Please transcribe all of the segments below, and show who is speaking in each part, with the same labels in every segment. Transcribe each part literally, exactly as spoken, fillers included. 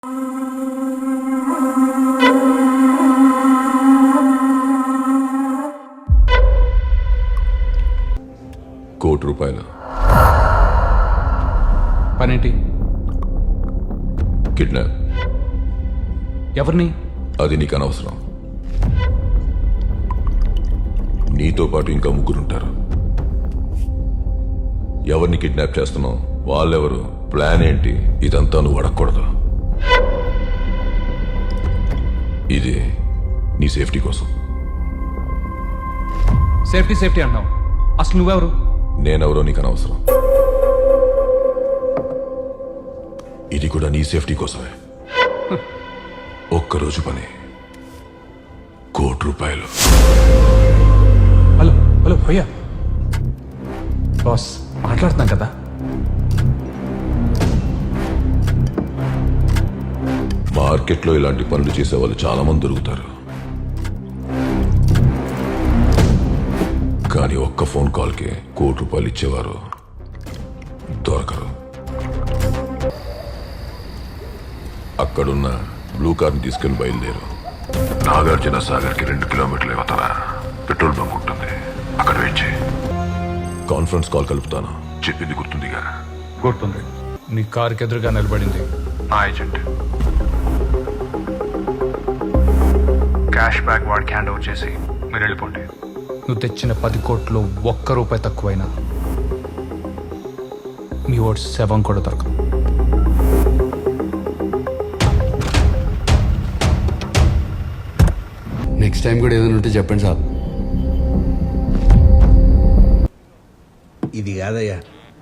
Speaker 1: కోటి రూపాయలు
Speaker 2: పనేంటి?
Speaker 1: కిడ్నాప్.
Speaker 2: ఎవరిని?
Speaker 1: అది నీకు అనవసరం. నీతో పాటు ఇంకా ముగ్గురుంటారు. ఎవరిని కిడ్నాప్ చేస్తున్నావు, వాళ్ళెవరు, ప్లాన్ ఏంటి, ఇదంతా నువ్వు అడగకూడదు. ఇది నీ సేఫ్టీ కోసం.
Speaker 2: సేఫ్టీ సేఫ్టీ అంటున్నావు, అసలు నువ్వెవరు?
Speaker 1: నేనెవరో నీకు అనవసరం. ఇది కూడా నీ సేఫ్టీ కోసమే. ఒక్కరోజు పని కోటి రూపాయలు.
Speaker 2: హలో హలో భయ్యా, బాస్ మాట్లాడుతున్నాం కదా.
Speaker 1: మార్కెట్లో ఇలాంటి పనులు చేసే వాళ్ళు చాలా మంది దొరుకుతారు, కానీ ఒక్క ఫోన్ కాల్కి కోటి రూపాయలు ఇచ్చేవారు దొరకరు. అక్కడున్న బ్లూ కార్ని తీసుకెళ్లి బయలుదేరు. నాగార్జున సాగర్కి రెండు కిలోమీటర్ల యువతల పెట్రోల్ బంక్ ఉంటుంది, అక్కడ వెయిట్ చేయి. కాన్ఫరెన్స్ కాల్ కలుపుతాను, చెప్పింది గుర్తుందిగా?
Speaker 2: గుర్తుంది. నీ కారుకి ఎదురుగా నిలబడింది
Speaker 3: నా ఏజెంట్. క్యాష్ బ్యాక్ వాడికి హ్యాండ్ ఓవర్ చేసి మీరు వెళ్ళిపోండి.
Speaker 2: నువ్వు తెచ్చిన పది కోట్లు ఒక్క రూపాయి తక్కువైనా మీ ఓటు శవం కూడా దొరకదు.
Speaker 4: నెక్స్ట్ టైం కూడా ఏదైనా ఉంటే చెప్పండి సార్.
Speaker 5: ఇది కాదయ్యా,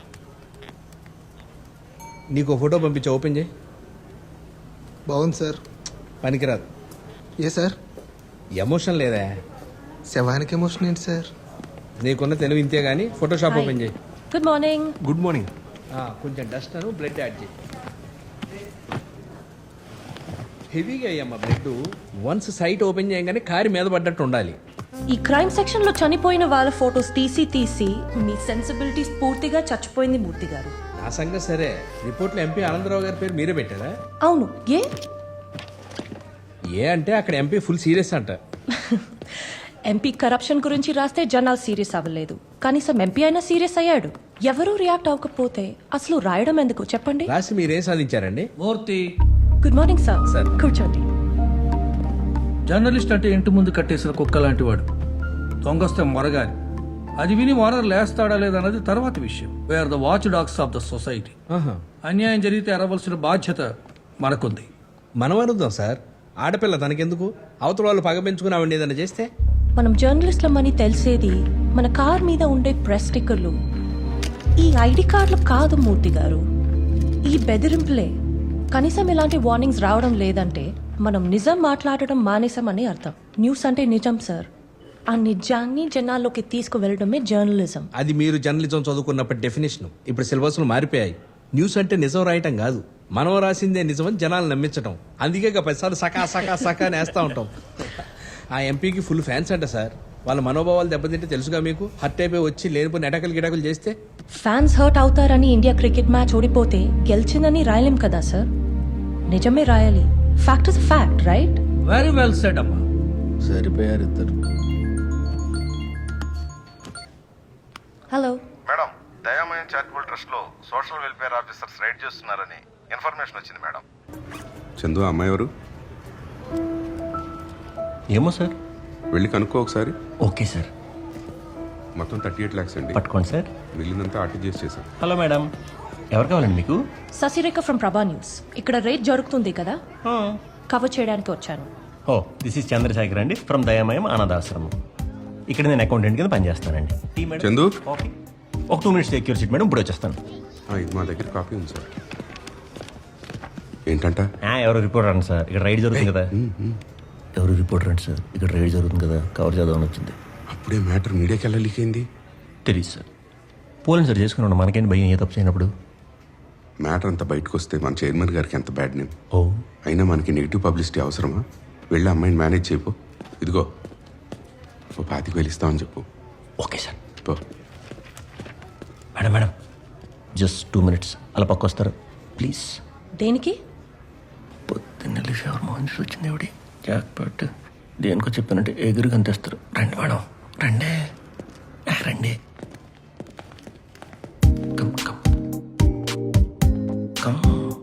Speaker 5: నీకు ఫోటో పంపించా, ఓపెన్ చేయి.
Speaker 6: బాగుంది సార్.
Speaker 5: పనికిరాదు.
Speaker 6: ఏ సార్?
Speaker 5: ఎమోషన్ లేదా?
Speaker 6: శవానికి ఎమోషన్ ఏంటి సార్?
Speaker 5: నీకున్న తెలివి ఇంతే కానీ ఫోటోషాప్ ఓపెన్ చేయి.
Speaker 7: Good morning.
Speaker 5: Good morning. కొంచెం డస్ట్ అను బ్లడ్ యాడ్ చేయి. హెవీగా అయ్యమ్మా బ్లడ్. వన్స్ సైట్ ఓపెన్ చేయగానే కారి మీద పడ్డట్టు ఉండాలి.
Speaker 7: ఈ క్రైమ్ సెక్షన్ లో చనిపోయిన వాళ్ళ ఫోటోస్ తీసి తీసి మీ సెన్సిబిలిటీస్ పూర్తిగా చచ్చిపోయింది మూర్తి గారు.
Speaker 5: నా సంగతి సరే, రిపోర్ట్లో ఎంపీ ఆనందరావు గారి పేరు మీరే పెట్టారా?
Speaker 7: అవును. ఏ
Speaker 5: ఏ అంటే అక్కడ ఎంపీ ఫుల్ సీరియస్ అంట.
Speaker 7: ఎంపీ కరప్షన్ గురించి రాస్తే జనాలు సీరియస్ అవ్వలేదు, కనీసం ఎంపీ అయినా సీరియస్ అయ్యాడు. ఎవరూ రియాక్ట్ అవ్వకపోతే అసలు రాయడం ఎందుకు చెప్పండి?
Speaker 5: రాసి మీరేం సాధించారండి?
Speaker 8: Murthy,
Speaker 7: good morning sir.
Speaker 5: Sir
Speaker 7: కూర్చోండి.
Speaker 8: జర్నలిస్ట్ అంటే ఇంటి ముందు కట్టేసిన కుక్క లాంటి వాడు. దొంగస్తే మొరగాలి. అది విని ఓనర్ లేస్తాడా లేదన్నది తర్వాత విషయం. We are the watch dogs of the society. అన్యాయం జరిగితే ఎరవలసిన బాధ్యత మనకుంది.
Speaker 5: మనం అనుద్దాం సార్, ఆడపిల్ల తనకెందుకు? అవతల వాళ్ళు పగ పెంచుకుని ఆవిడ ఏదైనా చేస్తే?
Speaker 7: మనం జర్నలిస్ట్లమని తెలిసేది మన కార్ మీద ఉండే ప్రెస్ స్టిక్కర్లు, ఈ ఐడి కార్డులు కాదు మూర్తి గారు, ఈ బెదిరింపులే. కనీసం ఇలాంటి వార్నింగ్స్ రావడం లేదంటే మనం నిజం మాట్లాడడం మానేసామని అర్థం. న్యూస్ అంటే నిజం సార్, ఆ నిజాన్ని జనాల్లోకి తీసుకువెళ్ళడమే జర్నలిజం.
Speaker 5: అది మీరు జర్నలిజం చదువుకున్నప్పటి డెఫినేషన్. ఇప్పుడు సిలబస్లు మారిపోయాయి. న్యూస్ అంటే నిజం రాయటం కాదు, మనం రాసిందే నిజమని జనాలు నమ్మించడం. అందుకే పదిసార్లు సకా సకా సకా నేస్తా ఉంటాం. ఆ ఎంపీకి ఫుల్ ఫ్యాన్స్ అంట సార్. వాళ్ళ మనోభావాలు దెబ్బతింటే తెలుసుగా మీకు. హర్ట్ అయిపోయి వచ్చి లేనిపోయిన ఎటకలు గిటకలు చేస్తే
Speaker 7: ఫ్యాన్స్ హర్ట్ అవుతారని ఇండియా క్రికెట్ మ్యాచ్ ఓడిపోతే గెలిచిందని రాయలేం కదా సార్. నిజమే రాయాలి. Fact is fact, right?
Speaker 8: Very well said అమ్మా.
Speaker 4: సరిపోయారు ఇద్దరు.
Speaker 7: Hello
Speaker 3: madam, Dayamayam charitable trust లో సోషల్ వెల్ఫేర్ ఆఫీసర్స్ రైడ్ చేస్తున్నారని ఇన్ఫర్మేషన్ వచ్చింది మేడం.
Speaker 9: చందు, అమ్మాయి ఎవరు?
Speaker 10: ఏమో సార్,
Speaker 9: వెళ్ళి కనుక్కో ఒకసారి.
Speaker 10: Okay sir.
Speaker 9: మొత్తం థర్టీ ఎయిట్ ల్యాక్స్ అండి.
Speaker 10: పట్టుకోండి సార్.
Speaker 9: మిగిలినంతా ఆర్టీజీఎస్ చేశాం.
Speaker 10: హలో మేడం, ఎవరు కావాలండి మీకు?
Speaker 7: Sasirekha from Prabha news. ఇక్కడ రేట్ జరుగుతుంది కదా, కవర్ చేయడానికి వచ్చాను.
Speaker 10: ఓ, దిస్ ఇస్ చంద్రశేఖర్ అండి, ఫ్రమ్ దయామయం అనాథాశ్రమం. ఇక్కడ నేను అకౌంటెంట్ కింద పనిచేస్తానండి. Tea madam?
Speaker 9: చందు,
Speaker 10: ఓకే, ఒక two minutes secure seat madam, ఇప్పుడు వచ్చేస్తాను.
Speaker 9: ఆ, ఇది మా దగ్గర కాపీ ఉంది సార్. ఏంటంట?
Speaker 10: ఆ, ఎవరు రిపోర్టర్ అండి సార్, ఇక్కడ రైడ్ జరుగుతుంది కదా. ఎవరు రిపోర్టర్ అండి సార్, ఇక్కడ రైడ్ జరుగుతుంది కదా, కవర్ చేద్దామని వచ్చింది.
Speaker 9: అప్పుడే మ్యాటర్ మీడియాకి ఎలా లీక్ అయింది?
Speaker 10: తెలియదు సార్. పోలింగ్ సార్ చేసుకున్నాను, మనకేంటి భయం ఏ తప్పు చేయనప్పుడు.
Speaker 9: మ్యాటర్ అంతా బయటకు వస్తే మన చైర్మన్ గారికి ఎంత బ్యాడ్ నేమ్.
Speaker 10: ఓ,
Speaker 9: అయినా మనకి నెగిటివ్ పబ్లిసిటీ అవసరమా? వెళ్ళి అమ్మాయిని మేనేజ్ చేయపో. ఇదిగో ఓ పాతికి వెళ్ళిస్తామని చెప్పు.
Speaker 10: Okay sir.
Speaker 9: పో.
Speaker 10: Madam madam just two minutes అలా పక్క వస్తారు ప్లీజ్.
Speaker 7: దేనికి?
Speaker 10: ఎవరు మోహన్ చూసి వచ్చింది ఎవడి జాక్ పట్ దేనికో చెప్పానంటే ఎగురు కనిపిస్తారు. రండి మేడం రండి ఆ, రండి కమ్ కమ్ కమ్.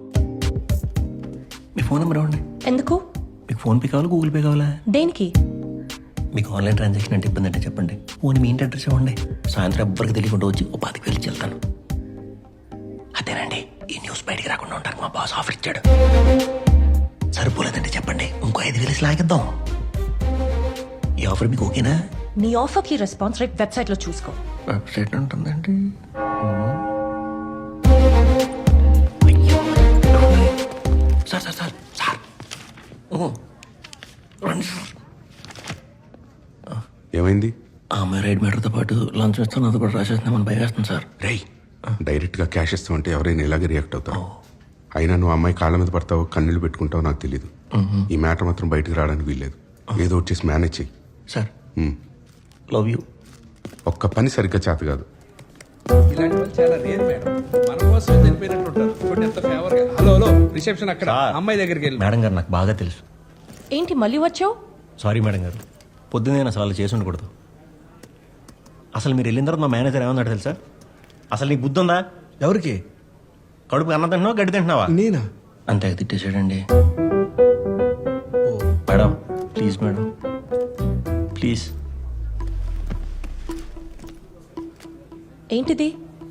Speaker 10: మీ ఫోన్ నెంబర్ ఇవ్వండి.
Speaker 7: ఎందుకు?
Speaker 10: మీకు ఫోన్ పే కావాలా గూగుల్ పే కావాలా?
Speaker 7: దేనికి?
Speaker 10: మీకు ఆన్లైన్ ట్రాన్సాక్షన్ అంటే ఇబ్బంది అంటే చెప్పండి. ఫోన్ మీ ఇంటి అడ్రస్ ఇవ్వండి. సాయంత్రం ఎవ్వరికి తెలియకుండా వచ్చి ఓ పాతికి వెళ్ళి వెళ్తాను. అదేనండి ఈ న్యూస్ బయటికి రాకుండా ఉంటారు. మా బాస్ ఆఫర్ ఇచ్చాడు. సరిపోలేదంటే చెప్పండి ఇంకో ఐదు వేలు లాగిద్దాం. ఈ ఆఫర్ మీకు ఓకేనా?
Speaker 7: నీ ఆఫర్కి రెస్పాన్స్ రేట్ వెబ్సైట్లో చూసుకో.
Speaker 10: వెబ్సైట్ ఉంటుందండి. సార్ సార్ సార్ సార్ ఓ, రండి సార్.
Speaker 9: ఏమైంది?
Speaker 10: ఆమె రైడ్ మీటర్తో పాటు లంచ్ ఇస్తాను అది కూడా రాసేస్తున్నామని భయం వేస్తుంది సార్.
Speaker 9: రేయ్ డైరెక్ట్గా క్యాష్ ఇస్తామంటే ఎవరైనా ఇలాగే రియాక్ట్ అవుతారు. అయినా నువ్వు అమ్మాయి కాళ్ళ మీద పడతావో కన్నీళ్ళు పెట్టుకుంటావో నాకు తెలియదు. ఈ మ్యాటర్ మాత్రం బయటకు రావడానికి వీల్లేదు. ఏదో వచ్చేసి మేనేజ్ చెయ్యి.
Speaker 10: Sir
Speaker 9: um.
Speaker 10: Love you.
Speaker 9: ఒక్క పని సరిగ్గా చేత కాదు.
Speaker 5: ఇలాంటి వాళ్ళు చాలా రేర్ మేడం. మన కోసం చనిపోయినట్టు ఉంటారు. చూడండి ఎంత ఫేవర్ గా. హలో హలో రిసెప్షన్ అక్కడ అమ్మాయి దగ్గరికి వెళ్ళి.
Speaker 10: మేడం గారు నాకు బాగా తెలుసు.
Speaker 7: ఏంటి మళ్ళీ వచ్చావు?
Speaker 10: సారీ మేడం గారు, పొద్దున్నే నేను అసలు అలా చేసి ఉండకూడదు. అసలు మీరు వెళ్ళిన తర్వాత మా మేనేజర్ ఏమన్నాడు తెలుసా? అసలు నీకు బుద్ధి ఉందా?
Speaker 2: ఎవరికి?
Speaker 10: కడుపు అన్నం తింటున్నావా గడ్డి తింటున్నావా?
Speaker 2: నేనా?
Speaker 10: అంతే తిట్టేసాడండి. Madam please madam please.
Speaker 7: ఏంటిది?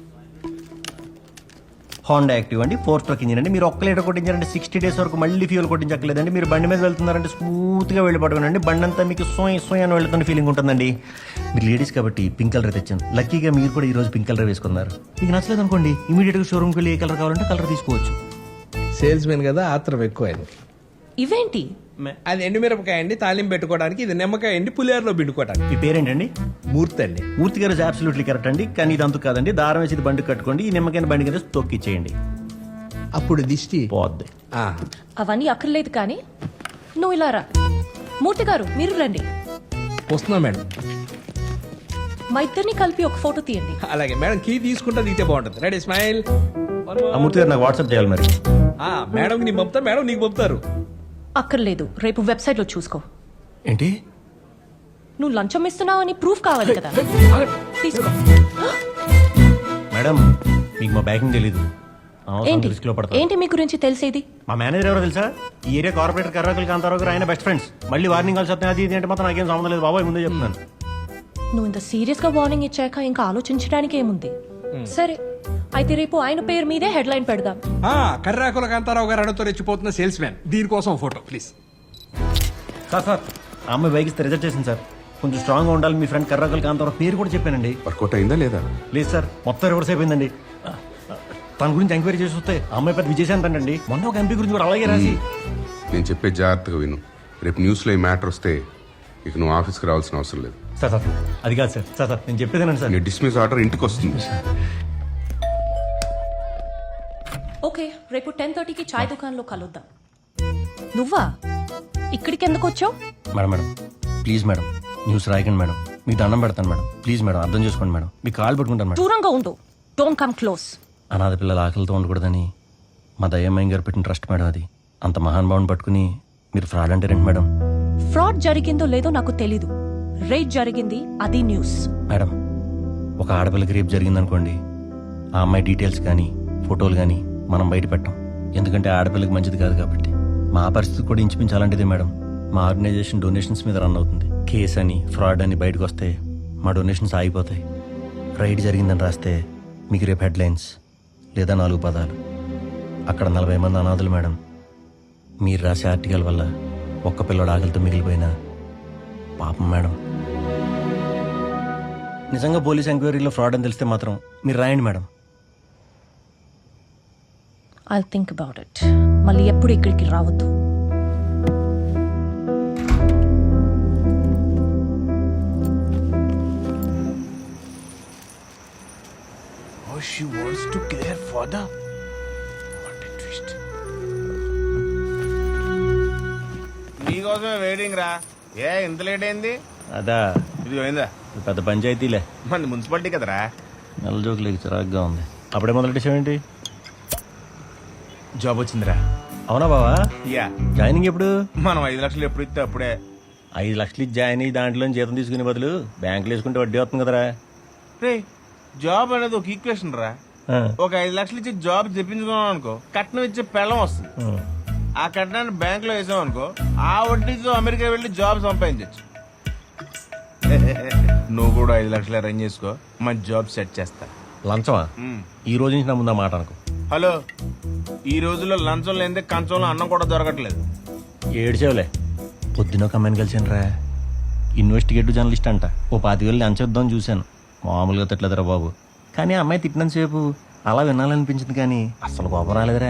Speaker 10: హోండా యాక్టివ్ అండి, ఫోర్ స్ట్రోక్ ఇంజిన్ అండి. మీరు ఒక్క లీటర్ కొట్టించారంటే సిక్స్టీ డేస్ వరకు మళ్ళీ ఫ్యూల్ కొట్టించక్కలేదండి. మీరు బండి మీద వెళ్తున్నారంటే స్మూత్గా వెళ్ళి పట్టుకోనండి. బండి అంతా మీకు సోయ్ సోయ్ అని వెళ్తున్న ఫీలింగ్ ఉంటుందండి. మీరు లేడీస్ కాబట్టి పింక్ కలర్ తెచ్చాను. లక్కీగా మీరు కూడా ఈ రోజు పింక్ కలర్ వేసుకున్నారు. మీకు నచ్చలేదు అనుకోండి ఇమీడియట్గా షోరూమ్కి వెళ్ళి ఏ కలర్ కావాలంటే కలర్ తీసుకోవచ్చు.
Speaker 5: సేల్స్ మెన్ కదా ఆత్రం ఎక్కువ.
Speaker 7: ఇవేంటి?
Speaker 5: అది ఎండుమిరపకాయ అండి తాలింపు పెట్టుకోవడానికి. ఇది నిమ్మకాయ అండి పులిహోరలో పిండుకోవడానికి.
Speaker 10: మీ పేరేంటండి?
Speaker 5: మూర్తి అండి.
Speaker 10: మూర్తి గారు అబ్సల్యూట్లీ కరెక్ట్ అండి. కానీ ఇది అంతు కాదండి. దారం వేసి ఇది బండి కట్టుకోండి. ఈ నిమ్మకాయ బండి కింద తొక్కిచ్చేయండి.
Speaker 5: అప్పుడు దిష్టి
Speaker 10: పోద్ది.
Speaker 5: ఆ,
Speaker 7: అవన్నీ అక్కర్లేదు కానీ నువ్వు ఇలా రా. మూర్తి గారు మీరు రండి.
Speaker 5: వస్తున్నా మేడం.
Speaker 7: మా ఇద్దరిని కలిపి ఒక ఫోటో తీయండి.
Speaker 5: అలాగే మేడం. కీ తీసుకుంటా దిగితే బాగుంటుంది. Ready smile.
Speaker 10: ఆ మూర్తి గారు నాకు వాట్సాప్ చేయాలి మరి.
Speaker 5: మేడం నీకు పంపుతా, మేడం నీకు పంపుతారు.
Speaker 7: అక్కర్లేదు, రేపు వెబ్సైట్లో చూసుకో.
Speaker 10: ఏంటి?
Speaker 7: నువ్వు లంచం ఇస్తున్నావని ప్రూఫ్ కావాలి కదా, తీసుకో.
Speaker 10: మేడం మీకు మా బ్యాకింగ్ తెలీదు.
Speaker 7: ఏంటి
Speaker 10: రిస్క్ లో పడతా.
Speaker 7: ఏంటి మీ గురించి తెలిసేది?
Speaker 10: మా మేనేజర్ ఎవరో తెలుసా? ఈ ఏరియా కార్పొరేటర్ కర్రాకులు కాంతారావు గారు ఆయన బెస్ట్ ఫ్రెండ్స్. మళ్ళీ వార్నింగ్ కాల్స్ వస్తాయి. అది ఇది అంటే మాత్రం నాకేం సంబంధం లేదు బాబాయ్, ముందే చెప్తున్నాను.
Speaker 7: నువ్వు ఇంత సీరియస్ గా వార్నింగ్ ఇచ్చాక ఇంకా ఆలోచించడానికి ఏముంది? సరే అయితే రేపు ఆయన పేరు మీదే హెడ్ లైన్ పెడదాం.
Speaker 2: కర్రాకుల కాంతారావు గారు అడతో రెచ్చిపోతున్న సేల్స్ మ్యాన్. దీనికోసం ఫోటో ప్లీజ్.
Speaker 10: సార్ సార్ ఆ అమ్మాయి బైక్ ఇస్తే రిజెక్ట్ చేసింది సార్. కొంచెం స్ట్రాంగ్ గా ఉండాలి. మీ ఫ్రెండ్ కర్రాకుల కాంతారావు పేరు కూడా చెప్పానండి.
Speaker 9: వర్కౌట్ అయిందా లేదా?
Speaker 10: లేదు సార్, మొత్తం రివర్స్ అయిపోయిందండి. తన గురించి ఎంక్వైరీ చేసి వస్తే ఆ అమ్మాయి పెద్ద విజయశాంత్ అండి. మొన్న ఒక ఎంపీ గురించి కూడా అలాగే రాసి.
Speaker 9: నేను చెప్పే జాగ్రత్తగా విను. రేపు న్యూస్లో ఈ మ్యాటర్ వస్తే ఇక నువ్వు ఆఫీస్కి రావాల్సిన అవసరం లేదు.
Speaker 10: సార్ సార్ అది కాదు సార్. సార్ సార్ నేను చెప్పేదేనండి సార్.
Speaker 9: నీ డిస్మిస్ ఆర్డర్ ఇంటికి వస్తుంది.
Speaker 7: ఓకే రేపు టెన్ థర్టీకి చాయ్ దుకాణంలో కలుద్దాం. నువ్వా ఇక్కడికి ఎందుకు వచ్చావు?
Speaker 10: Madam madam please madam news రాయకండి మేడం. మీకు దండం పెడతాను మేడం. ప్లీజ్ మేడం అర్థం చేసుకోండి మేడం. మీ కాల్ పెట్టుకుంటాను మేడం.
Speaker 7: దూరంగా ఉండు. Don't come close.
Speaker 10: అనాథ పిల్లల ఆకలితో ఉండకూడదని మా దయ్యమ్మాయి గారు పెట్టిన ట్రస్ట్ మేడం అది. అంత మహానుభావుని పట్టుకుని మీరు ఫ్రాడ్ అంటే రండి మేడం.
Speaker 7: ఫ్రాడ్ జరిగిందో లేదో నాకు తెలీదు. రేట్ జరిగింది, అది న్యూస్.
Speaker 10: మేడం ఒక ఆడపిల్లకి రేపు జరిగిందనుకోండి, ఆ అమ్మాయి డీటెయిల్స్ కానీ ఫోటోలు కానీ మనం బయట పెట్టాం. ఎందుకంటే ఆడపిల్లకి మంచిది కాదు కాబట్టి. మా పరిస్థితి కూడా ఇంచుమించాలంటిదే మేడం. మా ఆర్గనైజేషన్ డొనేషన్స్ మీద రన్ అవుతుంది. కేస్ అని ఫ్రాడ్ అని బయటకు వస్తే మా డొనేషన్స్ ఆగిపోతాయి. రైడ్ జరిగిందని రాస్తే మీకు రేపు హెడ్లైన్స్ లేదా నాలుగు పదాలు. అక్కడ నలభై మంది అనాథులు మేడం. మీరు రాసే ఆర్టికల్ వల్ల ఒక్క పిల్లడు ఆకలితో మిగిలిపోయినా పాపం మేడం. నిజంగా పోలీస్ ఎంక్వైరీలో ఫ్రాడ్ అని తెలిస్తే మాత్రం మీరు రాయండి madam.
Speaker 7: I'll think about it. మళ్ళీ ఎప్పుడు ఇక్కడికి రావద్దు.
Speaker 2: Oh, she wants to kill her father. What a twist.
Speaker 3: నీకోసమే వెయిటింగ్ రా. ఏ ఇంత లేట్ అయింది?
Speaker 10: అదా
Speaker 3: ఇది పోయిందా?
Speaker 10: పెద్ద పంచాయతీలే.
Speaker 3: మన మున్సిపాలిటీ కదరా.
Speaker 10: నెల జోకులకి చిరాగ్గా ఉంది. అప్పుడే మొదలెట్టేసావేంటి?
Speaker 2: జాబ్ వచ్చిందిరా.
Speaker 10: అవునా బావా
Speaker 2: యా
Speaker 10: జాయినింగ్ ఎప్పుడు
Speaker 2: మనం ఐదు లక్షలు ఎప్పుడు ఇస్తే అప్పుడే.
Speaker 10: ఐదు లక్షలు ఇచ్చి జాయిన్ అయ్యి దాంట్లో జీతం తీసుకునే బదులు బ్యాంకులో వేసుకుంటే వడ్డీ వస్తుంది కదరా
Speaker 2: రే జాబ్ అనేది ఒక ఈక్వేషన్ రా.
Speaker 10: ఆ,
Speaker 2: ఒక ఐదు లక్షలు ఇచ్చి జాబ్ తెప్పించుకున్నాం అనుకో, కట్నం ఇచ్చే పెళ్ళం వస్తుంది.
Speaker 10: ఆ.
Speaker 2: ఆ కట్నాన్ని బ్యాంక్ లో వేసాం అనుకో, ఆ వడ్డీతో అమెరికా వెళ్ళి జాబ్ సంపాదించచ్చు. నువ్వు కూడా ఐదు లక్షలు అరేంజ్ చేసుకో, మంచి జాబ్ సెట్ చేస్తా.
Speaker 10: లంచమా
Speaker 2: మ్.
Speaker 10: ఈ రోజు నుంచి నా ముందు ఆ మాట అనుకో.
Speaker 2: హలో, ఈ రోజుల్లో లంచం లేనిదే కంచంలో అన్నం కూడా దొరకట్లేదు.
Speaker 10: ఏడ్చేవులే పొద్దున ఒక అమ్మాయిని కలిసాను రా, ఇన్వెస్టిగేటివ్ జర్నలిస్ట్ అంట. ఓ పాతి వేలు లంచొద్దాం చూశాను, మామూలుగా తిట్టలేదురా బాబు. కానీ ఆ అమ్మాయి తిట్టినంతసేపు అలా వినాలనిపించింది కానీ అసలు కోపం రాలేదురా.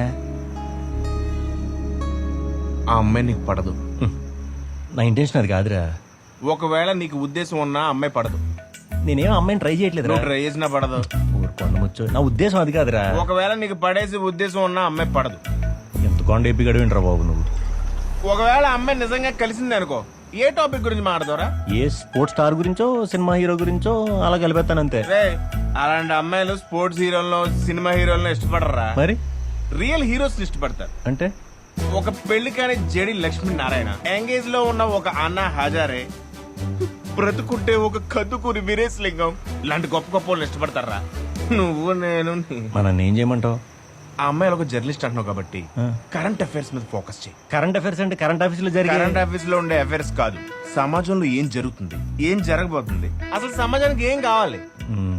Speaker 2: ఆ అమ్మాయి నీకు పడదు.
Speaker 10: నా ఇంటెన్షన్ అది కాదురా.
Speaker 2: ఒకవేళ నీకు ఉద్దేశం ఉన్నా ఆ అమ్మాయి పడదు.
Speaker 10: నేనేం అమ్మాయిని ట్రై చేయట్లేదురా.
Speaker 2: నువ్వు ట్రై చేసినా పడదు.
Speaker 10: ఊరుకోండి ముచ్చు, నా ఉద్దేశం అది కాదురా.
Speaker 2: ఒకవేళ నీకు పడేసి ఉద్దేశం ఉన్నా ఆ అమ్మాయి పడదు.
Speaker 10: ఎంత కొండ ఎప్పి గడివింటరా బాబు నువ్వు.
Speaker 2: ఒకవేళ ఆ అమ్మాయి నిజంగా కలిసింది అనుకో, ఏ టాపిక్ గురించి మాట్లాడతారా?
Speaker 10: ఏ స్పోర్ట్స్ స్టార్ గురించో సినిమా హీరో గురించో అలా కలిపేస్తానంతే.
Speaker 2: రే, అలాంటి అమ్మాయిలు స్పోర్ట్స్ హీరోలను సినిమా హీరోలను ఇష్టపడరా?
Speaker 10: మరి
Speaker 2: రియల్ హీరోస్ ఇష్టపడతారు.
Speaker 10: అంటే
Speaker 2: ఒక పెళ్లి కాని జడి లక్ష్మీనారాయణ, ఎంగేజ్ లో ఉన్న ఒక అన్నా హజారే, బ్రతుకుంటే ఒక కదుకూరి వీరేశ్ లింగం లాంటి గొప్ప గొప్ప వాళ్ళు ఇష్టపడతారా? నువ్వు నేను నీ-
Speaker 10: మన ఏం చేయమంటావు?
Speaker 2: ఆ అమ్మాయిలు ఒక జర్నలిస్ట్ అంటున్నావు కాబట్టి
Speaker 10: ఆ.
Speaker 2: కరెంట్ అఫైర్స్ మీద ఫోకస్ చేయి.
Speaker 10: కరెంట్ అఫైర్స్ అంటే కరెంట్ ఆఫీస్ లో జరిగే
Speaker 2: కరెంట్ అఫైర్స్ లో ఉండే అఫైర్స్ కాదు, సమాజంలో ఏం జరుగుతుంది, ఏం జరగబోతుంది, అసలు సమాజానికి ఏం కావాలి.
Speaker 10: మ్మ్.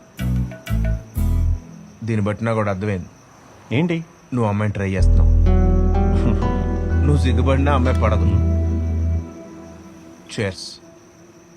Speaker 2: దీన్ని బట్టి నాకు కూడా అర్థమైంది,
Speaker 10: ఏంటి
Speaker 2: నువ్వు అమ్మాయిని ట్రై చేస్తున్నావు. నువ్వు సిగ్గుపడినా అమ్మాయి పడదు. చేర్స్.